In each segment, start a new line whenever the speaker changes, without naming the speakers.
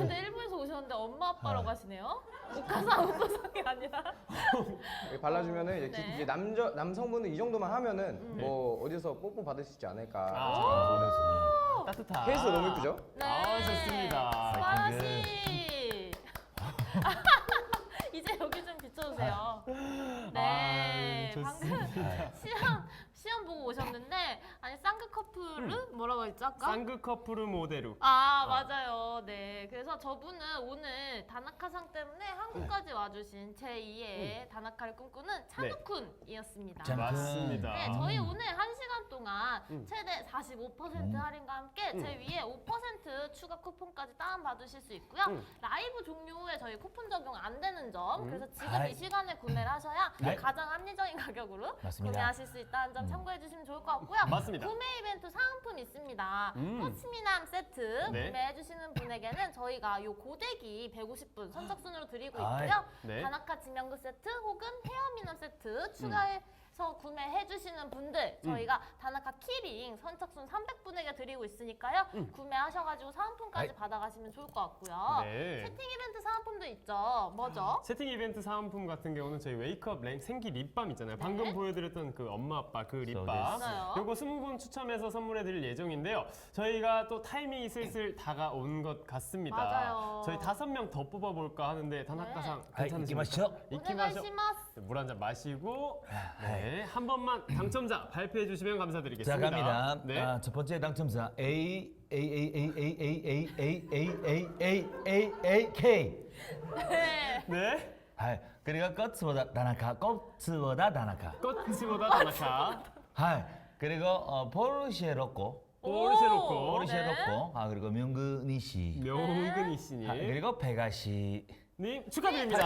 근데 일본에서 오셨는데 엄마 아빠라고 하시네요? 오카상 오토상이 아니라.
이렇게 발라주면은 이제,
네.
이제 남성분은 이 정도만 하면은 뭐 어디서 뽀뽀 받을 수 있지 않을까.
따뜻한.
케이스 너무 예쁘죠?
네.
아, 좋습니다.
스바라시. 이제 여기 좀 비춰주세요. 네, 방금 시험 보고 오셨는데 아니 쌍극 커플은 뭐라고 했죠 아까?
쌍극 커플 모델로.
아 맞아요. 네, 그래서 저분은 오늘 다나카상 때문에 한국까지 와주신 제2의 다나카를 꿈꾸는 찬우쿤이었습니다.
짠.
맞습니다.
네, 저희 오늘 1시간 동안 최대 45% 할인과 함께 제 위에 5% 추가 쿠폰까지 다운받으실 수 있고요. 라이브 종료 후에 저희 쿠폰 적용 안 되는 점, 그래서 지금
아이.
이 시간에 구매를 하셔야
네.
가장 합리적인 가격으로
맞습니다.
구매하실 수 있다는 점 참고해 주시면 좋을 것 같고요.
맞습니다.
구매 이벤트 상품 있습니다. 꽃미남 세트
네.
구매해 주시는 분에게는 저희가 요 고데기 150분 선착순으로 드리고
아이.
있고요.
네.
다나카 지명그 세트 혹은 헤어미남 세트 추가해서 구매해 주시는 분들 저희가 다나카 키링 선착순 300분에게 드리고 있으니까요. 구매하셔가지고 사은품까지
아이.
받아가시면 좋을 것 같고요.
네.
채팅 이벤트 사은품도 있죠. 뭐죠?
채팅 이벤트 사은품 같은 경우는 저희 웨이크업 생기 립밤 있잖아요. 방금 보여드렸던 그 엄마 아빠 그 립밤.
맞아요.
요거 20분 추첨해서 선물해드릴 예정인데요. 저희가 또 타이밍이 슬슬 다가온 것 같습니다.
맞아요.
저희 5명 더 뽑아볼까 하는데 다나카상
아이,
괜찮으십니까?
이키마시오.
이키마쇼.
오네가시마스.
물 한 잔 마시고 네, 한 번만 당첨자 발표해 주시면
자
감사드리겠습니다.
갑니다.
네.
아, 첫 번째 당첨자 A K.
네.
네.
하이. 그리고 꽃보다 다나카. 꽃보다 다나카.
꽃보다 다나카.
하이. 그리고 포르쉐 로꼬.
포르쉐 로꼬.
포르쉐
네.
로꼬. 아 그리고 명근이 씨.
명근이 씨님.
아, 그리고 베가 씨.
님 축하드립니다.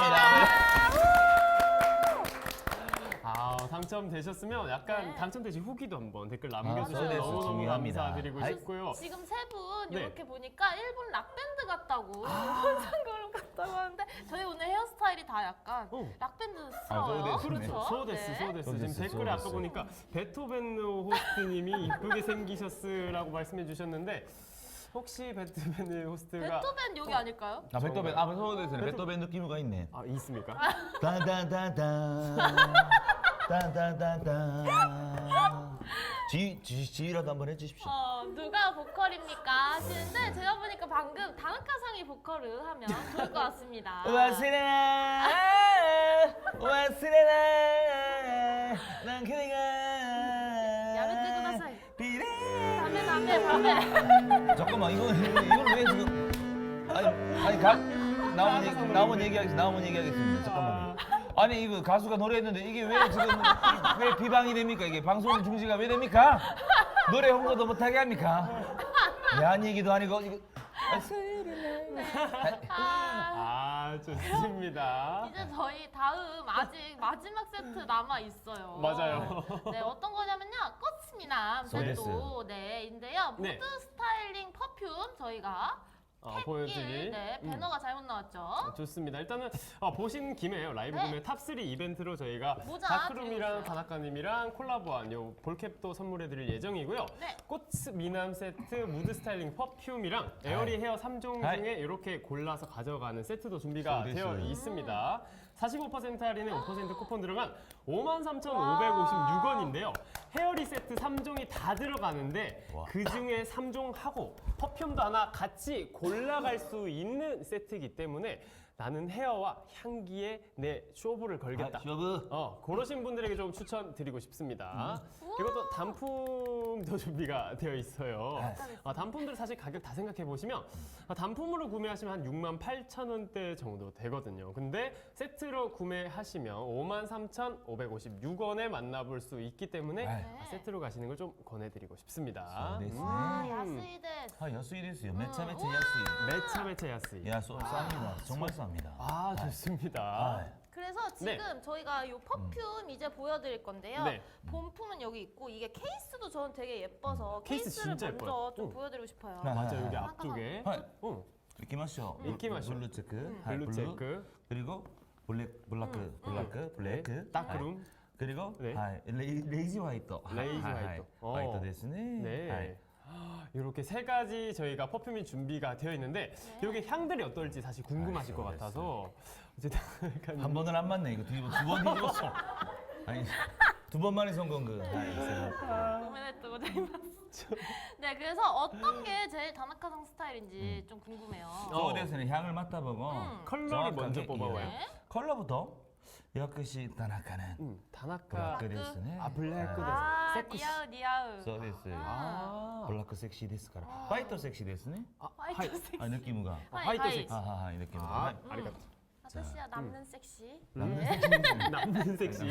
아, 당첨되셨으면 약간
네.
당첨되신 후기도 한번 댓글
아,
남겨주시면
맞아요.
너무너무
중요합니다.
감사드리고
아이.
싶고요.
지금 세 분
네.
이렇게 보니까 일본 락밴드 같다고 혼상그룹 같다고 하는데 저희 오늘 헤어스타일이 다 약간 락밴드스러워요.
소데스.
그렇죠. 소데스,
네.
소데스. 지금
소데스,
댓글에 아까
소데스.
보니까 베토벤 호스트님이 이쁘게 생기셨으라고 말씀해 주셨는데 혹시 베토벤 호스트가
베토벤 여기 아닐까요?
아 베토벤. 아 베토벤. 베토벤 느낌가 있네.
아, 있습니까?
따다다다. 따다다다. 지휘라도 한번 해주십시오.
누가 보컬입니까 하시는데 제가 보니까 방금 다나카상이 보컬을 하면 좋을 것 같습니다.
와스레나 와스레나 난 그대가
야매뜨 구다사이.
비레.
담배.
잠깐만 이걸 왜 지금 아니 나오면 얘기하겠습니다. 잠깐만요. 아니 이거 가수가 노래했는데 이게 왜 지금 왜 비방이 됩니까? 이게 방송 중지가 왜 됩니까? 노래 홍보도 못하게 합니까? 야한 얘기도 아니고 이거
아, 좋습니다.
이제 저희 다음 아직 마지막 세트 남아 있어요.
맞아요.
네, 어떤 거냐면요. 꽃미남
소데스.
세트 네인데요.
네.
무드 스타일링 퍼퓸 저희가
보여드릴
네, 배너가 잘못 나왔죠.
좋습니다. 일단은 보신 김에 라이브
네.
구매 탑3 이벤트로 저희가
모자
다크룸이랑
드리고
다나카님이랑 콜라보한 요 볼캡도 선물해드릴 예정이고요.
네.
꽃 미남 세트, 무드 스타일링 퍼퓸이랑 에어리 헤어 3종
아이.
중에 이렇게 골라서 가져가는 세트도 준비가
소데스.
되어 있습니다. 45% 할인에 5% 쿠폰 들어간 53,556원인데요. 헤어리 세트 3종이 다 들어가는데
와.
그 중에 3종 하고 퍼퓸도 하나 같이 골라갈 수 있는 세트이기 때문에 나는 헤어와 향기에 내 쇼부를 걸겠다.
쇼브.
그러신 분들에게 좀 추천드리고 싶습니다. 그리고 또 단품도 준비가 되어 있어요. 단품들 사실 가격 다 생각해 보시면 단품으로 구매하시면 한 68,000원대 정도 되거든요. 근데 세트로 구매하시면 53,556원에 만나볼 수 있기 때문에
네.
세트로 가시는 걸 좀 권해드리고 싶습니다.
소데스.
와, 야스이데.
아 야수이 됐어요. 매차 야수이.
매차 야스이.
야 쌉니다. 정말 쌉니다.
아, 좋습니다.
그래서 지금 저희가 이 퍼퓸 이제 보여드릴 건데요.
네.
본품은 여기 있고 이게 케이스도 저는 되게 예뻐서
케이스
케이스를
진짜
먼저
예뻐요.
좀
응.
보여드리고 싶어요.
맞아요. 여기
아,
앞쪽에.
아.
응.
이키마쇼.
이키마쇼.
블루 체크. 하이,
블루 체크.
그리고 블랙.
다크룸.
그리고
네.
하이, 레이지 화이트.
레이지
하이,
화이트.
화이트 데스네.
네.
하이.
이렇게 세 가지 저희가 퍼퓸이 준비가 되어 있는데 이게 향들이 어떨지 사실 궁금하실 것 같아서 어쨌든 약간
한 번은 안 맞네 이거 두 번 뒤집었어. 아니 두 번 만에 성공 그.
고민했던 거죠. 네, 그래서 어떤 게 제일 다나카상 스타일인지 좀 궁금해요.
서울에서는 향을 맡아보고
컬러를
정확하게
먼저 뽑아봐요.
네.
컬러부터 역시 다나카는
다나카
블랙 데스네.
아 블랙
아,
세쿠시.
니아우 니아우.
そうです。
아,
ブラックセクシーですから。ホワイトセクシーですね。
화이트 섹시.
아 느낌가.
화이트
하이.
섹시.
하하하 느낌.
아, 아리가토.
아저씨야 남는 섹시.
남는 섹시.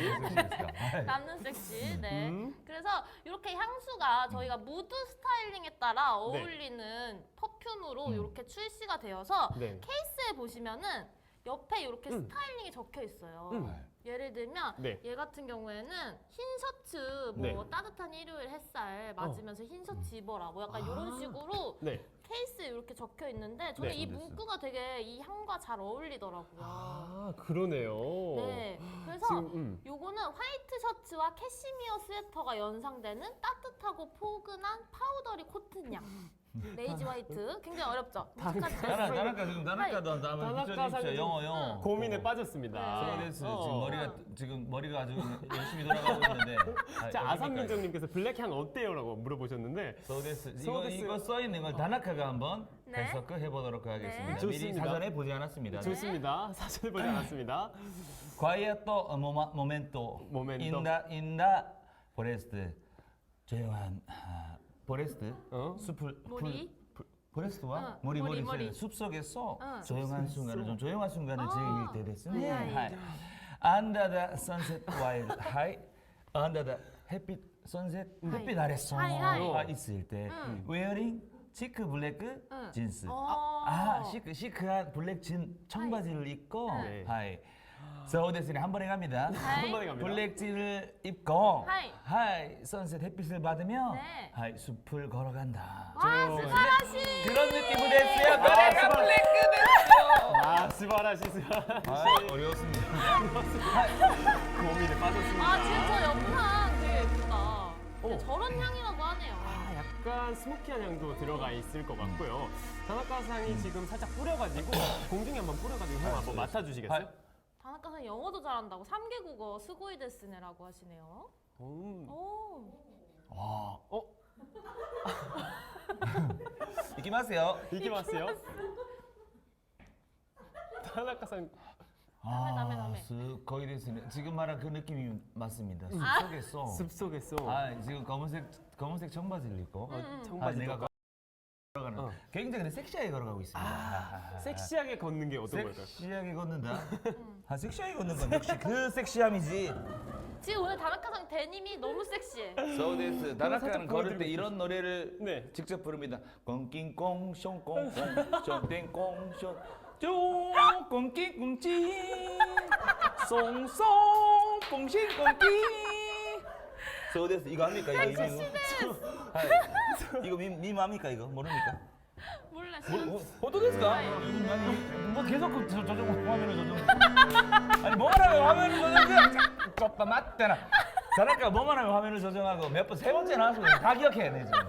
남는 섹시. 네. 그래서 이렇게 향수가 저희가 무드 스타일링에 따라 어울리는 퍼퓸으로 이렇게 출시가 되어서
네.
케이스에 보시면은 옆에 이렇게 스타일링이 적혀 있어요. 예를 들면
네.
얘 같은 경우에는 흰 셔츠 뭐
네.
따뜻한 일요일 햇살 맞으면서 흰 셔츠 입어라 뭐 약간 이런 식으로
네.
케이스에 이렇게 적혀 있는데 저는
네.
이 문구가 되게 이 향과 잘 어울리더라고요.
아, 그러네요.
네. 그래서
지금
요거는 화이트 셔츠와 캐시미어 스웨터가 연상되는 따뜻하고 포근한 파우더리 코튼향. 레이지 화이트. 굉장히 어렵죠?
다나카 지금 다나카도 한번 붙여주십시오. 영어.
고민에 빠졌습니다.
서울에서 지금 머리가 아주 열심히 돌아가고 있는데.
자, 아삼민정님께서 블랙향 어때요라고 물어보셨는데
서울에서
서울에서-
이거 써 있는 걸 다나카가 한번
네.
해석을 해보도록 하겠습니다.
네.
미리
좋습니다.
사전에 보지 않았습니다.
좋습니다. 사실 보지 않았습니다.
과이어또 모멘토 인다 포레스트 조용한 포레스트 숲을
머리?
포레스트와
머리,
머리
머리.
숲 속에서
응.
조용한 순간을 좀 조용한 순간을 즐길 때 됐으니
네.
Under the sunset while high Under the 햇빛 sunset 햇빛 아래서
하이.
있을 때 wearing 치크 블랙 진스 시크한 블랙 진 청바지를 입고
네.
하이 서울대스는 한 번에 갑니다.
한 번에 갑니다.
블랙 진을 입고
하이.
선셋 햇빛을 받으며
네.
숲을 걸어간다.
와, 스바라시.
그런 느낌으로 됐어요. 노래가 블랙 됐어요.
아, 스바라시.
어려웠습니다.
고민에 빠졌습니다.
아, 지금 저 옆향 되게 예쁘다. 근데 저런 향이라고 하네요.
아, 약간 스모키한 향도 들어가 있을 것 같고요. 다나카상이 지금 살짝 뿌려가지고 공중에 한번 뿌려가지고 형 한번 맡아주시겠어요?
다나카상 영어도 잘한다고 3개 국어 스고이 데스네라고 하시네요. 오.
이기마세요.
이게 맞어요? 다나카상
다음에.
거의 됐으네. 지금 말한 그 느낌이 맞습니다. 숲 속에서.
숲속에서
지금 검은색 청바지를 입고.
청바지
내가
내가
걸어가는. 굉장히 섹시하게 걸어가고 있습니다.
섹시하게 걷는 게 어떤 걸까요?
섹시하게 걷는다. 섹시하게 걷는 건 역시 그 섹시함이지.
지금 오늘 다나카상 데님이 너무 섹시해.
서울에서 다나카는 걸을 때 이런 노래를
네.
직접 부릅니다. 꽁낑꽁 숑꽁꽁 숑땡꽁 숑 꽁낑꽁찌 송송 뽕신꽁끼 서울에서 이거 합니까? 이거 밈 합니까? 이거 모릅니까?
몰라.
어떻겠습니까? 뭐 계속 화면을 조정. 아니 뭐만 하면 화면을 조정. 좁다 맞대나. 다나카 뭐만 하면 화면을 조정하고 몇 번 세 번째 나와서 다 기억해내 지금.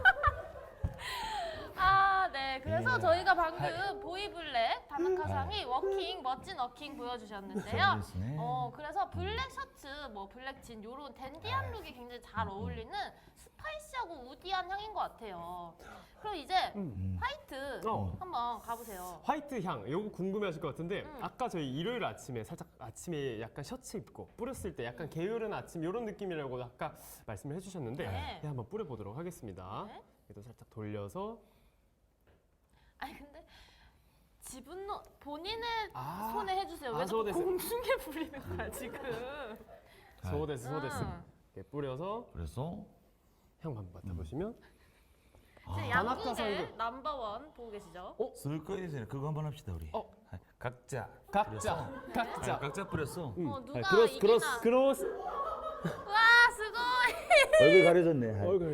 아, 네. 그래서 저희가 방금 보이블랙 다나카상이 멋진 워킹 보여주셨는데요.
재밌네.
그래서 블랙 셔츠, 뭐 블랙 진 요런 댄디한 룩이 굉장히 잘 어울리는 스파이시하고 우디한 향인 것 같아요. 그럼 이제 화이트 한번 가보세요.
화이트 향, 이거 궁금해하실 것 같은데 아까 저희 일요일 아침에 살짝 아침에 약간 셔츠 입고 뿌렸을 때 약간 게으른 아침 이런 느낌이라고 아까 말씀을 해주셨는데
네.
한번 뿌려보도록 하겠습니다.
네.
얘도 살짝 돌려서
아니 근데 본인의
아.
손에 해주세요. 왜 자꾸
소데스.
공중에 부리는 거야 지금?
소데스
아.
이렇게 뿌려서
그래서
향 한번 맡아보시면
지금
다나카상도.
양국의 넘버원 보고 계시죠?
쓸 거에 대해서 그거 한번 합시다 우리. 각자
각자
뿌렸어.
누가
크로스
이기나?
크로스
와, 스고이!
얼굴 가려졌네.
얼굴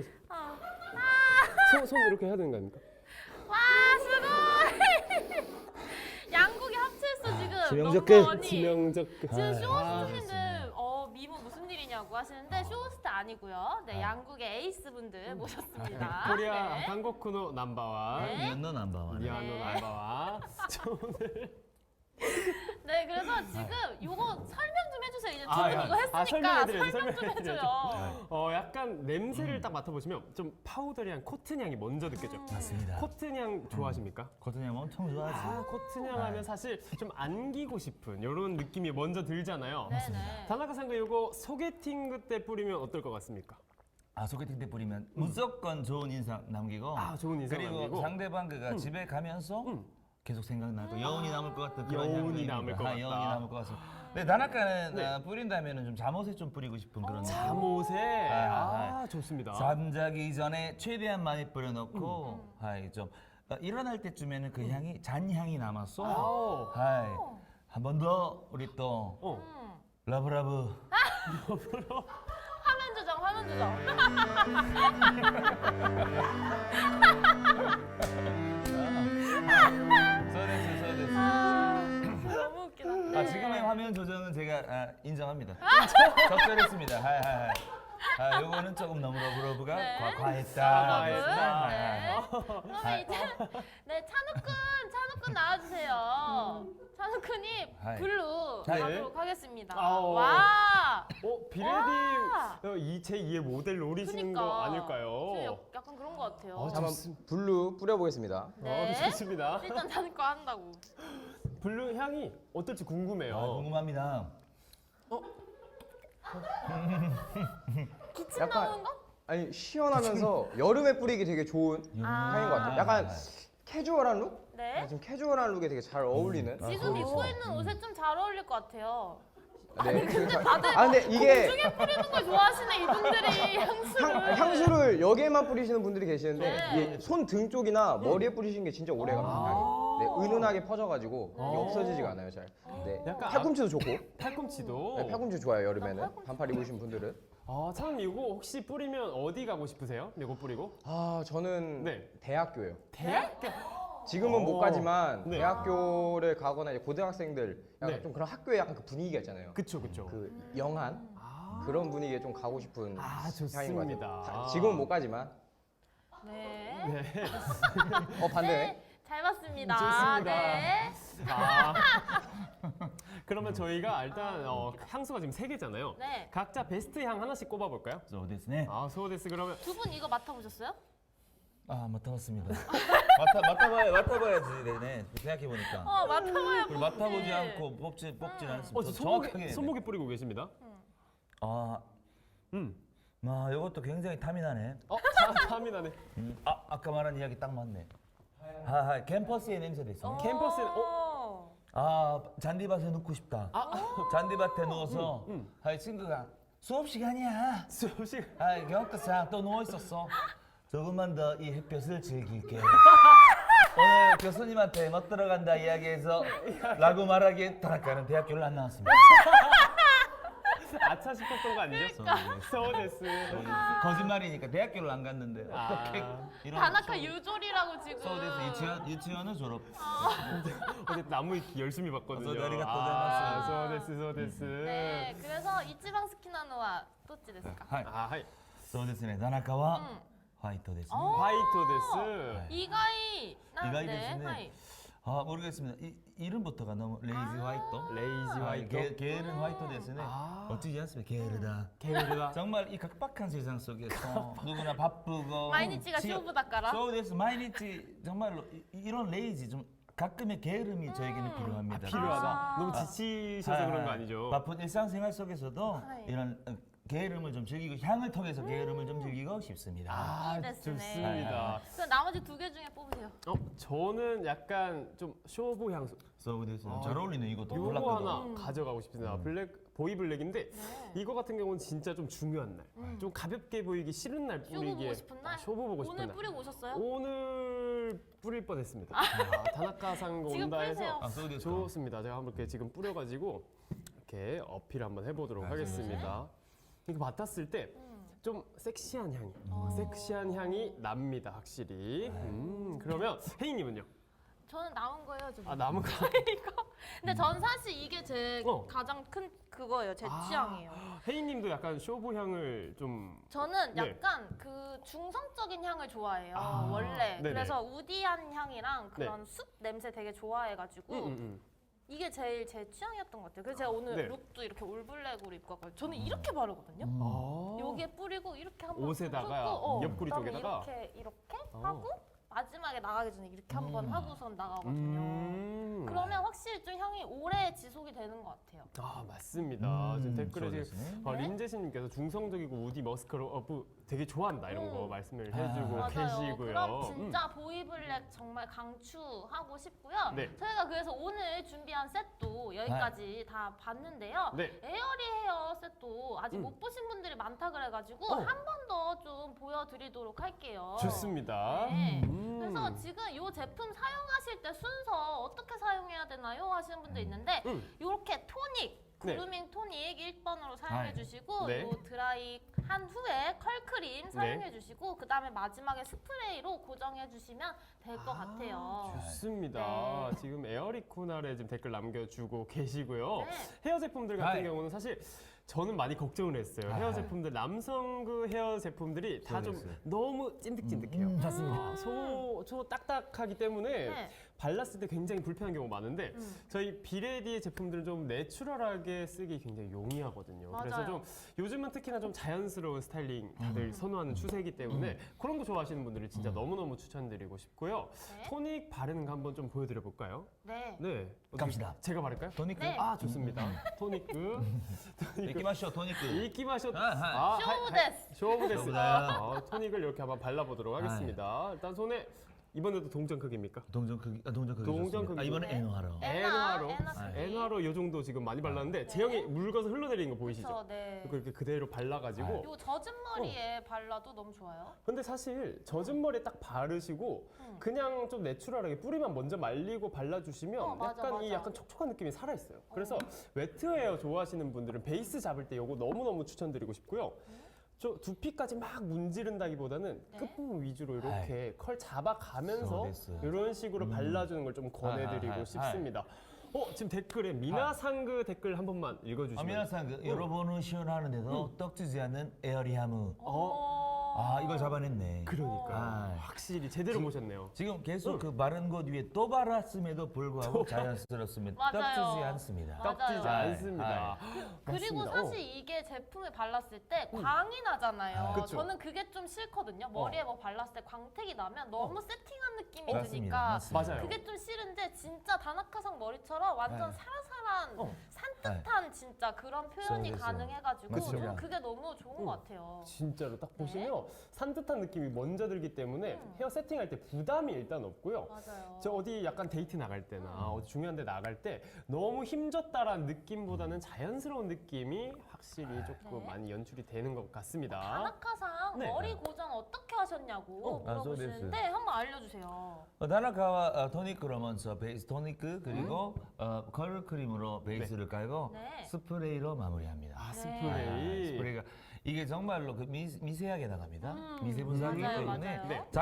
손 이렇게 해야 되는 거 아닙니까?
와, 스고이! 양국이 합쳤어 지금.
지명적 끝.
넘버원이.
지명적
지금 쇼호스트님들 미모 무슨 일이냐고 쇼호스트라고 하시는데 쇼호스트 아니고요. 네, 양국의 에이스 분들 모셨습니다.
코리아
네.
한국쿠노 넘버원,
네.
미안노 남바와.
미아노
네.
넘버원. 오늘
네, 그래서 지금 요거 설명 좀 해주세요. 이제 두
아,
분
예.
이거 했으니까
설명해드려야죠,
설명 좀
설명해드려야죠.
해줘요.
약간 냄새를 딱 맡아보시면 좀 파우더리한 코튼 향이 먼저 느껴져.
맞습니다.
코튼 향 좋아하십니까?
코튼형 엄청 좋아하지.
코튼 향 하면 사실 좀 안기고 싶은 이런 느낌이 먼저 들잖아요.
네네.
다나카 상가 이거 소개팅 때 뿌리면 어떨 것 같습니까?
소개팅 때 뿌리면 무조건 좋은 인상 남기고.
좋은 인상
그리고
남기고.
상대방 그가 집에 가면서 계속 생각나고 여운이 남을 것 같은 그런
여운이
향들입니다.
남을 것 같다.
여운이 남을 것 같습니다. 근데 다나카는 뿌린다면은 좀 잠옷에 좀 뿌리고 싶은 그런.
잠옷에
아,
좋습니다.
잠자기 전에 최대한 많이 뿌려놓고, 좀 일어날 때쯤에는 그 향이 잔향이 남았어. 한 번 더 우리 또 러브러브.
화면 조정, 화면 조정.
써냈어.
너무 웃기다. 네.
지금의 화면 조정은 제가 인정합니다. 적절했습니다. 요거는 조금 너무 러브러브가
네.
과했다.
과했다.
네. 그러면 이제 네 찬욱군 나와주세요. 찬욱군이
하이.
블루
하이.
가도록 하겠습니다.
아오.
와.
비레디
와.
제2의 모델 노리시는 거
그러니까.
아닐까요?
지금 약간 그런 것 같아요.
자, 한번 블루 뿌려보겠습니다.
네.
좋습니다.
일단 찬욱 거 한다고.
블루 향이 어떨지 궁금해요.
궁금합니다.
기침
약간-
나오는 거?
아니 시원하면서 여름에 뿌리기 되게 좋은
아.
향인 것 같아요. 약간 캐주얼한 룩?
네.
좀 캐주얼한 룩에 되게 잘 어울리는.
지금 입고 있는 옷에 좀 잘 어울릴 것 같아요.
네.
다들
근데 이게
공중에 뿌리는 걸 좋아하시네 이분들이 향수를.
향수를 여기에만 뿌리시는 분들이 계시는데
네.
이게 손등 쪽이나 머리에 뿌리시는 게 진짜 오래갑니다. 향이. 네, 은은하게 퍼져가지고 이게 없어지지가 않아요, 잘. 네.
약간
팔꿈치도 좋고.
팔꿈치도.
네, 팔꿈치 좋아요, 여름에는. 반팔 입으신 분들은.
참 이거 혹시 뿌리면 어디 가고 싶으세요? 이거 뿌리고?
저는
네.
대학교예요.
대학교?
지금은 못 가지만
네.
대학교를 가거나 이제 고등학생들 약간
네.
좀 그런 학교에 약간 그 분위기가 있잖아요.
그쵸.
그 영한 그런 분위기에 좀 가고 싶은 향인 것
좋습니다.
같아요. 지금은 못 가지만.
네.
네.
반대네.
네, 잘 봤습니다.
좋습니다.
네.
그러면 저희가 일단 향수가 지금 3개잖아요.
네.
각자 베스트 향 하나씩 꼽아볼까요?
そうですね.
소데스 그러면
두 분 이거 맡아보셨어요?
맡아봤습니다. 맡아봐야지, 네. 생각해 보니까.
맡아봐야
그리고 맡아보지 않고 뽑질 않습니다.
손목에 뿌리고 계십니다.
이것도 굉장히 탐이 나네.
탐이 나네.
아까 말한 이야기 딱 맞네. 캠퍼스의 냄새도 있어.
캠퍼스에
잔디밭에 눕고 싶다. 잔디밭에 누워서 친구가 수업 시간이야.
수없이
교과상 또 누워 있었어. 조금만 더 이 햇볕을 즐길게. 오늘 교수님한테 못 들어간다 이야기해서 라고 말하기에 다나카는 대학교를 안 나왔습니다.
아차 싶었던 거 아니죠? 소데스.
거짓말이니까 대학교를 안 갔는데 어떻게 이런
다나카 유졸이라고 지금.
서울대에서 유치원을 졸업.
어제 나무 위키 열심히 봤거든요. 소데스.
네, 그래서 이치방 스키나노와 또찌 됐을까?
はい
はい。
そうですね田中はホワイトですね。
화이트 데스.
이가이.
이가이ですね.
하이.
모르겠습니다. 이름부터가 너무 레이지 화이트.
레이지 화이트.
게으른 화이트ですね. 어찌지 않습니까? 게으르다.
게으르다.
정말 이 각박한 세상 속에서 누구나 바쁘고
마이니치가 쇼부다까라.
쇼부데스 마이니치 정말로 이런 레이지 좀 가끔의 게으름이 저에게는 필요합니다.
필요하다. 너무 지치셔서 그런 거 아니죠?
바쁜 일상생활 속에서도
네.
이런 게으름을 좀 즐기고 향을 통해서 게으름을 좀 즐기고 싶습니다.
이 데스네.
좋습니다.
그럼 나머지 두 개 중에 뽑으세요.
저는 약간 좀 쇼부 향수.
서브데스 잘 어울리네 이것도
요거
몰랐거든.
하나 가져가고 싶습니다. 보이 블랙인데 이거 같은 경우는 진짜 좀 중요한 날, 좀 가볍게 보이기 싫은 날
쇼부
뿌리기에
보고 싶은 날?
쇼부 보고 싶은
오늘
날.
뿌리고 오셨어요?
오늘 뿌릴 뻔했습니다. 다나카상
지금
온다
뿌리세요.
해서
서브데스.
좋습니다. 제가 한번 이렇게 지금 뿌려가지고 이렇게 어필 한번 해보도록 하겠습니다. 이거 맡았을 때 좀 섹시한 향이, 섹시한 향이 납니다, 확실히. 그러면 혜인님은요?
저는 남은 거예요, 지금.
아 남은 거.
이거. 근데 전 사실 이게 제
어.
가장 큰 그거예요. 제 취향이에요.
혜인님도 약간 쇼부 향을 좀.
저는
네.
약간 그 중성적인 향을 좋아해요.
아,
원래.
네네.
그래서 우디한 향이랑 그런 숲 냄새 되게 좋아해가지고 이게 제일 제 취향이었던 것 같아요. 그래서 제가 오늘
네.
룩도 이렇게 올블랙으로 입고 왔거든요. 저는 이렇게 바르거든요.
아.
여기에 뿌리고 이렇게 한번
옷에다가,
훑고,
옆구리
그다음에
쪽에다가?
이렇게
어.
하고 마지막에 나가기 전에 이렇게 한번 하고선 나가거든요. 그러면 확실히 좀 향이 오래 지속이 되는 것 같아요.
아 맞습니다. 지금 댓글에 지금
네.
린제시님께서 중성적이고 우디 머스크로 되게 좋아한다 이런 거 말씀을 해주고
맞아요.
계시고요.
그럼 진짜 보이블랙 정말 강추하고 싶고요.
네.
저희가 그래서 오늘 준비한 셋도 여기까지 다 봤는데요.
네.
에어리 헤어 셋도 아직 못 보신 분들이 많다 그래가지고
어.
한 번 더 좀 보여드리도록 할게요.
좋습니다.
네. 그래서 지금 이 제품 사용하실 때 순서 어떻게 사용해야 되나요? 하시는 분도 있는데 이렇게 토닉,
네.
그루밍 토닉 1번으로 사용해 주시고
네.
요 드라이 한 후에 컬크림 사용해 주시고 그 다음에 마지막에 스프레이로 고정해 주시면 될 것 같아요.
좋습니다.
네.
지금 에어리코날에 지금 댓글 남겨주고 계시고요.
네.
헤어 제품들 같은
아이.
경우는 사실 저는 많이 걱정을 했어요. 헤어 제품들 남성 그 헤어 제품들이 다 좀
그랬어요.
너무 찐득찐득해요.
맞습니다.
소 딱딱하기 때문에
네.
발랐을 때 굉장히 불편한 경우가 많은데 저희 비레디의 제품들은 좀 내추럴하게 쓰기 굉장히 용이하거든요. 그래서
맞아요.
좀 요즘은 특히나 좀 자연스러운 스타일링 다들 선호하는 추세이기 때문에 그런 거 좋아하시는 분들이 진짜 너무너무 추천드리고 싶고요.
네.
토닉 바르는 거 한번 좀 보여드려 볼까요?
네.
네. 어떻게-
갑시다.
제가 바를까요?
토니크.
네.
아 좋습니다. 토닉.
이끼마쇼 토니크.
이끼마쇼.
아하.
쇼부데스.
쇼부데스.
쇼부데스.
토닉을 이렇게 한번 발라보도록 하겠습니다. 일단 손에 이번에도 동전 크기입니까?
동전 크기. 동전 크기.
동전
좋습니다.
크기.
이번에 에노하러.
에너하로.
에너
에너하로 이 정도 지금 많이 발랐는데 제형이 묽어서 흘러내리는 거 보이시죠?
그렇죠. 네.
그렇게 그대로 발라가지고.
요 젖은 머리에 발라도 너무 좋아요.
근데 사실 젖은 머리에 딱 바르시고 그냥 좀 내추럴하게 뿌리만 먼저 말리고 발라주시면
맞아,
약간 이
맞아.
약간 촉촉한 느낌이 살아있어요. 그래서 웨트 헤어 좋아하시는 분들은 베이스 잡을 때 이거 너무너무 추천드리고 싶고요. 저 두피까지 막 문지른다기보다는
네.
끝부분 위주로 이렇게 컬 잡아가면서
소데스.
이런 식으로 발라주는 걸 좀 권해드리고
아하,
싶습니다. 지금 댓글에 미나상그 댓글 한 번만 읽어주시면.
미나상 여러분은 시원하는데도 떡지지 않는 에어리하무. 이걸 잡아냈네.
그러니까
아.
확실히 제대로 보셨네요.
지금 계속 그 바른 것 위에 또 발랐음에도 불구하고 자연스럽습니다.
맞아요.
떡지지 않습니다.
맞아요.
떡지지
아이,
않습니다.
그리고
맞습니다.
사실 이게 제품을 발랐을 때 광이 나잖아요.
그쵸.
저는 그게 좀 싫거든요. 머리에 뭐 발랐을 때 광택이 나면 너무 세팅한 느낌이
맞습니다.
드니까
맞습니다.
맞아요.
그게 좀 싫은데 진짜 다나카상 머리처럼 완전
네.
사라사란 산뜻한 진짜 그런 표현이
그래서.
가능해가지고
맞습니다.
저는 그게 너무 좋은 것 같아요.
진짜로 딱
네.
보시면 산뜻한 느낌이 먼저 들기 때문에 헤어 세팅할 때 부담이 일단 없고요.
맞아요.
저 어디 약간 데이트 나갈 때나 어디 중요한 데 나갈 때 너무 힘줬다라는 느낌보다는 자연스러운 느낌이 확실히 조금
네.
많이 연출이 되는 것 같습니다.
다나카상
네.
머리 고정 어떻게 하셨냐고 물어보시는데 한번 알려주세요.
다나카와 토니크로면서 베이스 토니크 그리고 컬 크림으로 베이스를 깔고
네.
스프레이로 마무리합니다.
아,
네.
스프레이.
스프레이가 이게 정말로 그 미세하게 나갑니다. 미세 분사기
맞아요,
때문에
맞아요.
네.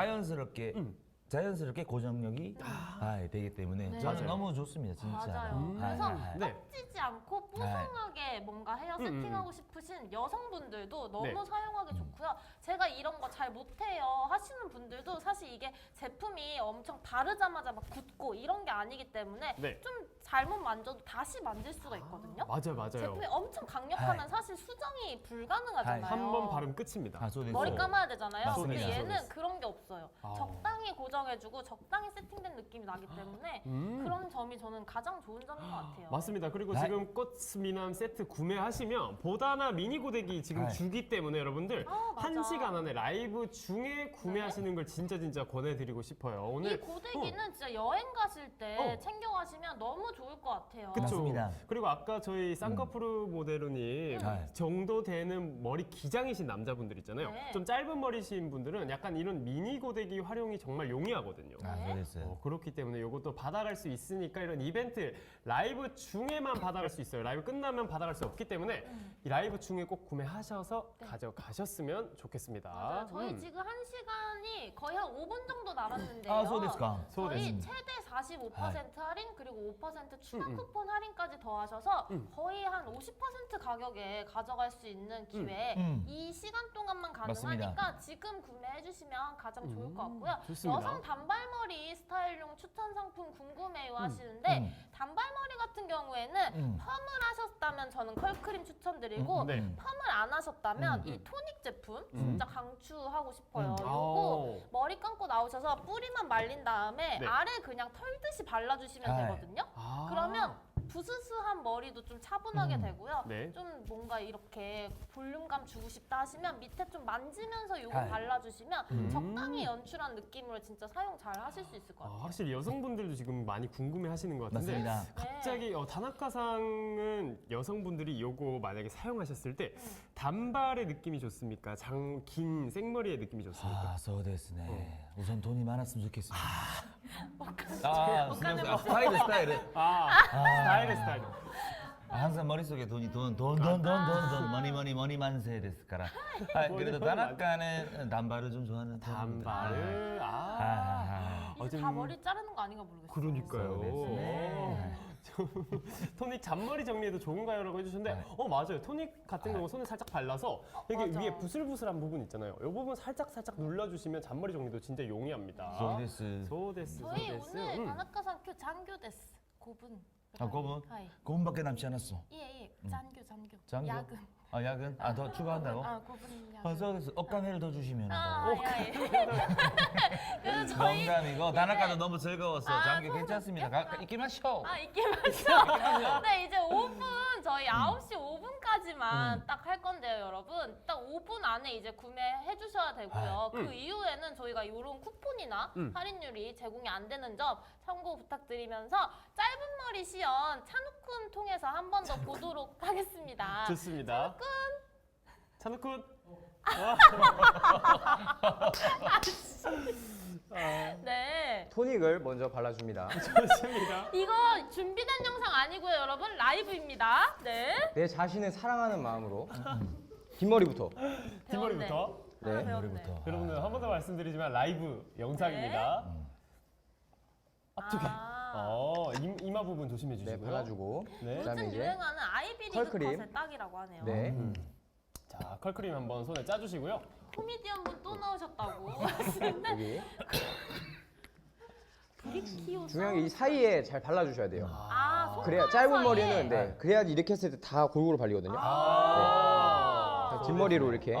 자연스럽게 고정력이 되기 때문에
네.
저는
맞아요.
너무 좋습니다, 진짜.
맞아요. 그래서
네.
떡지지 않고 뽀송하게 뭔가 헤어 세팅하고 싶으신 여성분들도 너무
네.
사용하기 좋고요. 제가 이런 거 잘 못해요 하시는 분들도 사실 이게 제품이 엄청 바르자마자 막 굳고 이런 게 아니기 때문에
네.
좀 잘못 만져도 다시 만질 수가 있거든요.
맞아요.
제품이 엄청 강력하면 사실 수정이 불가능하잖아요.
한 번 바르면 끝입니다.
머리 감아야 되잖아요.
맞습니다.
근데 얘는
맞습니다.
그런 게 없어요. 적당히 고정해주고 적당히 세팅된 느낌이 나기 때문에 그런 점이 저는 가장 좋은 점인 것 같아요.
맞습니다. 그리고
네.
지금 꽃미남 세트 구매하시면 보다나 미니 고데기 지금
네.
주기 때문에 여러분들
맞아.
1시간 안에 라이브 중에 구매하시는 걸 진짜 권해드리고 싶어요.
이
오늘
고데기는 진짜 여행 가실 때
어.
챙겨가시면 너무 좋을 좋을 것 같아요.
그쵸.
맞습니다.
그리고 아까 저희 쌍꺼풀 모델로님
네.
정도 되는 머리 기장이신 남자분들 있잖아요.
네.
좀 짧은 머리신 분들은 약간 이런 미니 고데기 활용이 정말 용이하거든요.
아,
네.
소데스.
그렇기 때문에 이것도 받아갈 수 있으니까 이런 이벤트 라이브 중에만 받아갈 수 있어요. 라이브 끝나면 받아갈 수 없기 때문에 이 라이브 중에 꼭 구매하셔서
네.
가져가셨으면 좋겠습니다.
맞아요. 저희 지금 1시간이 거의 한 5분 정도 남았는데요.
아, 소데스까.
저희 최대 45% 할인 그리고 5% 추가 쿠폰 할인까지 더하셔서 거의 한 50% 가격에 가져갈 수 있는 기회 이 시간 동안만 가능하니까
맞습니다.
지금 구매해 주시면 가장 좋을 것 같고요.
좋습니다.
여성 단발머리 스타일용 추천 상품 궁금해요 하시는데 단발머리 같은 경우에는 펌을 하셨다면 저는 컬크림 추천드리고
네.
펌을 안 하셨다면 이 토닉 제품 진짜 강추하고 싶어요. 요거
아오.
머리 감고 나오셔서 뿌리만 말린 다음에
네.
아래 그냥 털듯이 발라주시면
아.
되거든요.
아.
그러면 부스스한 머리도 좀 차분하게 되고요.
네.
좀 뭔가 이렇게 볼륨감 주고 싶다 하시면 밑에 좀 만지면서 요거
아.
발라주시면 적당히 연출한 느낌으로 진짜 사용 잘 하실 수 있을 것 같아요.
확실히 여성분들도 지금 많이 궁금해 하시는 것 같은데
맞습니다.
갑자기 다나카상은 여성분들이 요거 만약에 사용하셨을 때 단발의 느낌이 좋습니까? 긴 생머리의 느낌이 좋습니까?
아, 소데스네. 우선 돈이 많았으면 좋겠습니다.
옷가네
아, 스타일.
스타일.
항상 머릿속에 돈이 돈 머니 만세 됐을까라. 그래도
돈이
다나카는 단발을 좀 좋아하는
단발을
이제 다 머리 자르는 거 아닌가 모르겠어요.
그러니까요.
네.
토닉 잔머리 정리에도 좋은가요? 라고 해주셨는데
네.
맞아요. 토닉 같은 경우 손에 살짝 발라서 여기
맞아.
위에 부슬부슬한 부분 있잖아요. 이 부분 살짝 눌러주시면 잔머리 정리도 진짜 용이합니다.
소데스.
소데스.
저희 오늘 다나카상 큐 잔교 데스 고분.
아, 고분?
하이.
고분밖에 남지 않았어.
예, 잔교.
잔교?
야근.
아, 야근? 아, 더 추가한다고?
아, 고분 야근.
아, 소데스. 억간회를 더 주시면.
예. 그래서 저희
농담이고 다나카도 너무 즐거웠어.
아,
장기
소데스.
괜찮습니다. 있기 마셔.
있게 마셔. 네, 이제 5분 저희 9시 5분까지만 딱 할 건데요, 여러분. 딱 5분 안에 이제 구매해 주셔야 되고요. 그 이후에는 저희가 이런 쿠폰이나 할인율이 제공이 안 되는 점 참고 부탁드리면서 짧은 머리 시연 찬우쿤 통해서 한 번 더 보도록 하겠습니다.
좋습니다. 찬우쿤.
네.
토닉을 먼저 발라줍니다.
좋습니다.
이거 준비된 영상 아니고요, 여러분. 라이브입니다. 네.
내 자신을 사랑하는 마음으로 뒷머리부터.
뒷머리부터.
네.
머리부터.
여러분들 한 번 더 말씀드리지만 라이브 영상입니다. 앞쪽에. 이마 부분 조심해
네,
주시고요.
발라주고.
네.
그다음에
요즘
이제
유행하는 아이비리그
컬크림.
컷의 딱이라고 하네요.
네.
자, 컬크림 한번 손에 짜주시고요.
코미디언 분 또 나오셨다고.
여기.
브리키오
중요한 게 이 사이에 잘 발라주셔야 돼요.
손가락
그래야 짧은
사이에.
머리는 그래야지 이렇게 했을 때 다 골고루 발리거든요. 자, 뒷머리로 이렇게.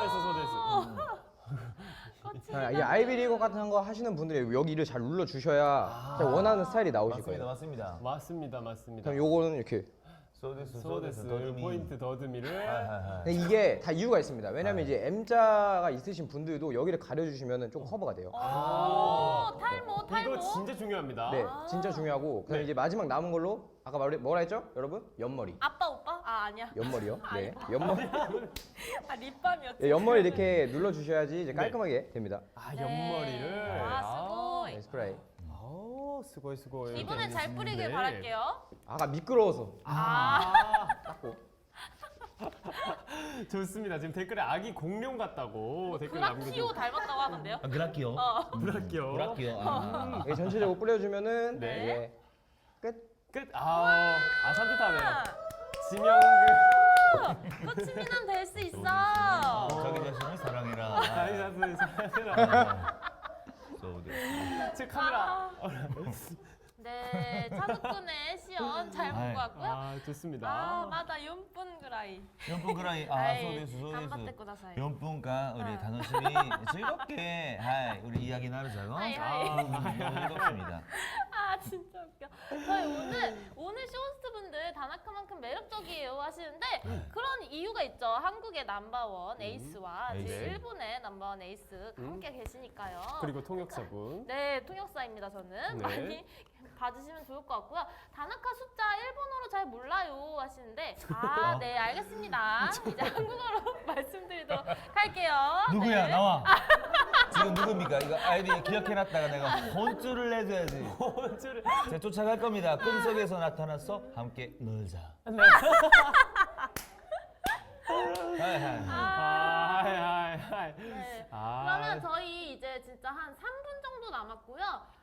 소데스.
이 아이비리거 같은 거 하시는 분들이 여기를 잘 눌러 주셔야 원하는 스타일이 나오실 거예요.
맞습니다.
맞습니다.
그럼 요거는 이렇게.
소데스.
포인트 더듬이를.
근데 이게 다 이유가 있습니다. 왜냐면 이제 M자가 있으신 분들도 여기를 가려주시면 좀 커버가 돼요.
탈모.
이거 진짜 중요합니다.
네, 진짜 중요하고. 그다음에 이제 마지막 남은 걸로 아까 뭐라 했죠, 여러분? 옆머리.
아빠 오빠? 아니야.
옆머리요. 네, 옆머리.
립밤이었지.
네, 옆머리 이렇게 눌러 주셔야지 이제 깔끔하게 됩니다.
옆머리를.
수고이.
네, 스프레이.
수고이.
이번엔 잘 뿌리길 바랄게요.
아까 미끄러워서.
좋습니다. 지금 댓글에 아기 공룡 같다고 댓글
브라키오
남겨주고.
닮았다고 하던데요?
그라키오.
브라키오.
이게 전체적으로 뿌려주면은
네.
이제 끝.
끝. 산뜻하네요. 지명그.
꽃미남 될 수 있어.
자기 자신을 사랑해라. 소데스.
제 카메라.
네, 찬우쿤의 시연 잘 보고 왔고요.
좋습니다.
맞아, 연분 그라이.
연분 그라이. 소데스.
간바테 꾸다사이.
연분과 우리 단호심이 즐겁게 우리 이야기 나누자고.
하이.
즐겁습니다.
진짜 웃겨. 저희 오늘 쇼호스트 분들 왜 다나카만큼 매력적이에요 하시는데 그런 이유가 있죠. 한국의 넘버원 에이스와
에이스.
지금 일본의 넘버원 에이스 함께 계시니까요.
그리고 통역사분.
네, 통역사입니다. 저는
네.
많이 봐주시면 좋을 것 같고요. 다나카 숫자 일본어로 잘 몰라요 하시는데 네, 알겠습니다. 이제 한국어로 말씀드리도록 할게요.
누구야
네.
나와. 지금 누굽니까? 이거 아이디 기억해놨다가 내가 혼쭐을 내줘야지.
혼쭐을.
제가 쫓아갈 겁니다. 꿈속에서 나타났어. 함께 놀자.
네. 하이.
네.
아.
그러면 저희 이제 진짜 한 3분 정도 남았고요.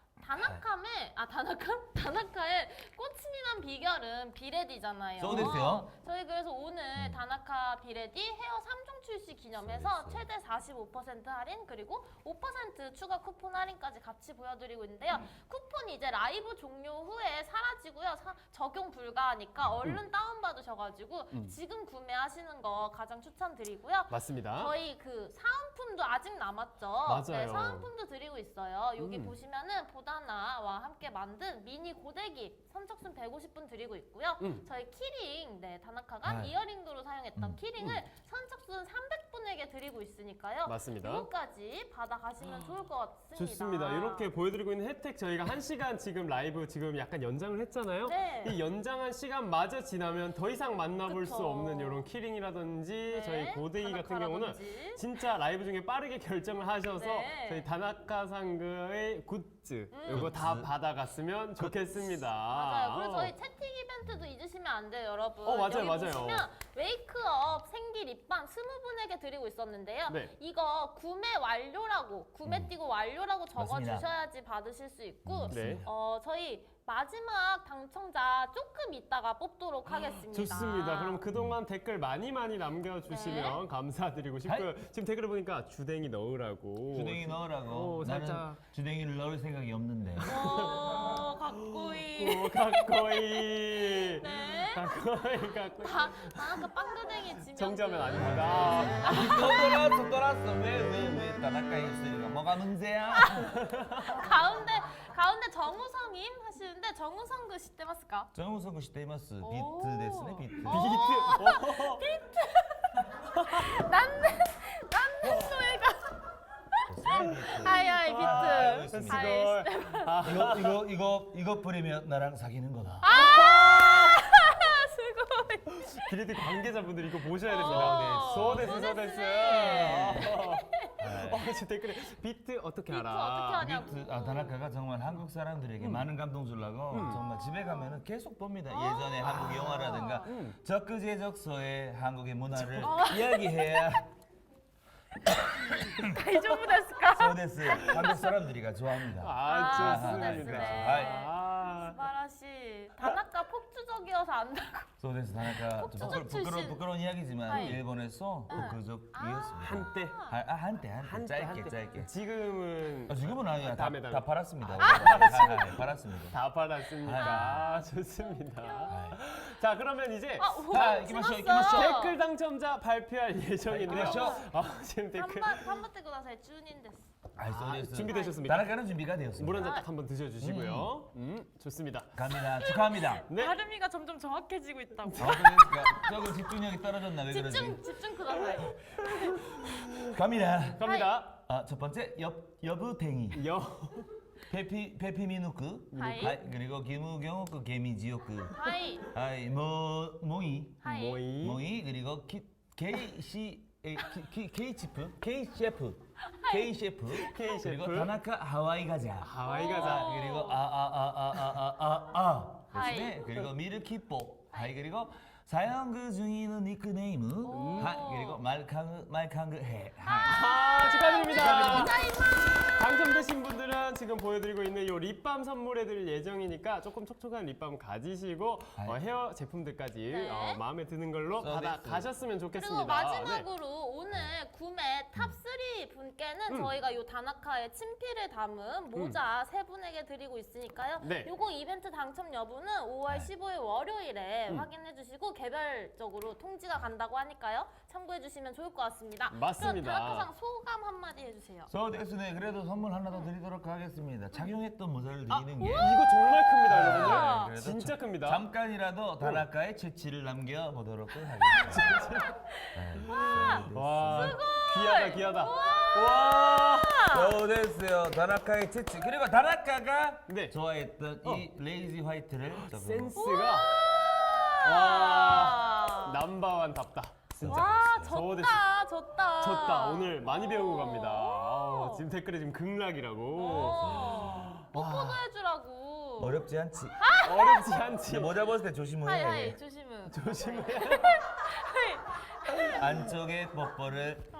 다나카의 꽃이 난 비결은 비레디잖아요.
そうですよ.
저희 그래서 오늘 다나카 비레디 헤어 3종 출시 기념해서 최대 45% 할인 그리고 5% 추가 쿠폰 할인까지 같이 보여드리고 있는데요. 쿠폰이 이제 라이브 종료 후에 사라지고요. 적용 불가하니까 얼른 다운받으셔가지고 지금 구매하시는 거 가장 추천드리고요.
맞습니다.
저희 그 사은품도 아직 남았죠.
맞아요.
네, 사은품도 드리고 있어요. 여기 보시면은 보다나와 함께 만든 미니 고데기 선착순 150분 드리고 있고요. 저희 키링, 네, 다나카가 이어링으로 사용했던 키링을 선착순 300분에게 드리고 있으니까요.
맞습니다.
이거까지 받아가시면 좋을 것 같습니다.
좋습니다. 이렇게 보여드리고 있는 혜택 저희가 1시간 지금 라이브 지금 약간 연장을 했잖아요.
네.
이 연장한 시간마저 지나면 더 이상 만나볼
그쵸.
수 없는 이런 키링이라든지
네,
저희 고데기 같은 경우는
다나카라든지.
진짜 라이브 중에 빠르게 결정을 하셔서
네.
저희 다나카 상그의 굿즈 이거 다 받아갔으면 좋겠습니다.
맞아요. 그리고 저희 채팅 이벤트도 잊으시면 안 돼요, 여러분.
맞아요,
여기
맞아요.
보시면 웨이크업 생기 립밤 20분에게 드리고 있었는데요.
네.
이거 구매 완료라고, 구매 띄고 완료라고
맞습니다.
적어주셔야지 받으실 수 있고,
네.
저희 마지막 당첨자 조금 있다가 뽑도록 하겠습니다.
좋습니다. 그럼 그동안 댓글 많이 남겨주시면
네.
감사드리고 싶고요. 지금 댓글을 보니까 주댕이 넣으라고.
주댕이 넣으라고. 나는
살짝.
주댕이를 넣을 생각이 없는데.
가꼬이.
가꼬이.
네.
가꼬이.
다나카 빵두댕이 지명.
정자면 아닙니다.
또 돌았어. 왜 다나카 입술이가 뭐가 문제야?
가운데 정우성님 하시는데 정우성 그知ってますか?
정우성 씨しています.
오.
비트ですね, 비트.
난는 노래가. 하이 비트.
알겠습니다.
하이.
이거 뿌리면 나랑 사귀는 거다.
수고이.
비리디 관계자분들 이거 보셔야 됩니다.
어.
소데스.
소데스.
지금 댓글에 비트 어떻게
비트
알아?
어떻게 하냐고.
비트, 다나카가 정말 한국 사람들에게 많은 감동 주려고 정말 집에 가면은 계속 봅니다. 예전에 한국 영화라든가 적그제적소의 한국의 문화를 이야기해야
다이조부 데스까?
소데스 한국 사람들이가 좋아합니다.
좋습니다.
소데스네. 스바라시. 다나카 폭주적이어서 안다고.
소데스 다나카 좀
폭주적 출신.
부끄러운 이야기지만
하이.
일본에서 폭주적이었습니다.
한때.
한때 짧게.
지금은
지금은 아니야. 다
다음에.
팔았습니다. 팔았습니다.
다 받았습니까? 좋습니다.
아.
자, 그러면 이제
자, 이기마쇼.
댓글 당첨자 발표할 예정인데요.
이기마쇼.
지금 댓글
頑張ってください。中人です。
소데스.
준비되셨습니까?
다나카는 준비가 되었습니다.
물 한 잔 딱 한번 드셔주시고요. 좋습니다.
갑니다. 축하합니다.
네.
발음이가 점점 정확해지고 있다고.
그러니까 조금 집중력이 떨어졌나 왜 그러지?
집중ください.
갑니다.
갑니다.
첫 번째 여부탱이. 페피미누크.
하이.
그리고 기무경호크 개미지오크.
하이.
하이 모이.
하이.
모이.
그리고 K 셰프. 그리고 다나카 하와이 가자.
하와이 가자.
그리고
하이.
그리고 미르키뽀. 하이. 그리고 사연그 중이는 닉네임. 하이. 그리고 말캉그 해. 하이.
축하드립니다. 당첨되신 분들은 지금 보여드리고 있는 이 립밤 선물해드릴 예정이니까 조금 촉촉한 립밤 가지시고 헤어 제품들까지
네.
마음에 드는 걸로 받아가셨으면 좋겠습니다.
그리고 마지막으로 오늘 구매 탑3 분께는 저희가 요 다나카의 친필을 담은 모자 3분에게 드리고 있으니까요.
네.
요거 이벤트 당첨 여부는 5월 15일 월요일에 때 확인해 주시고 개별적으로 통지가 간다고 하니까요. 참고해 주시면 좋을 것 같습니다.
맞습니다.
그럼 다나카상 소감 한마디 해주세요.
저 됐으네. 그래도 선물 하나 더 드리도록 하겠습니다. 착용했던 모자를 드리는 게
이거 정말 큽니다,
우와.
여러분들.
그래도
진짜 큽니다.
잠깐이라도 다나카의 채취를 남겨보도록 하겠습니다.
와, 귀하다, 귀하다. 와.
저 됐어요. 다나카의 채취. 그리고 다나카가
네.
좋아했던 이 레이지 화이트를 조금
센스가 와 넘버원답다. 진짜.
와
저거
졌다 졌다.
졌다. 오늘 많이 배우고 갑니다. 아우, 지금 댓글에 지금 극락이라고.
뽀뽀도 해주라고.
어렵지 않지.
어렵지 않지.
모자 벗을 때 조심해야
하이
돼.
하이 조심해.
조심해.
안쪽에 뽀뽀를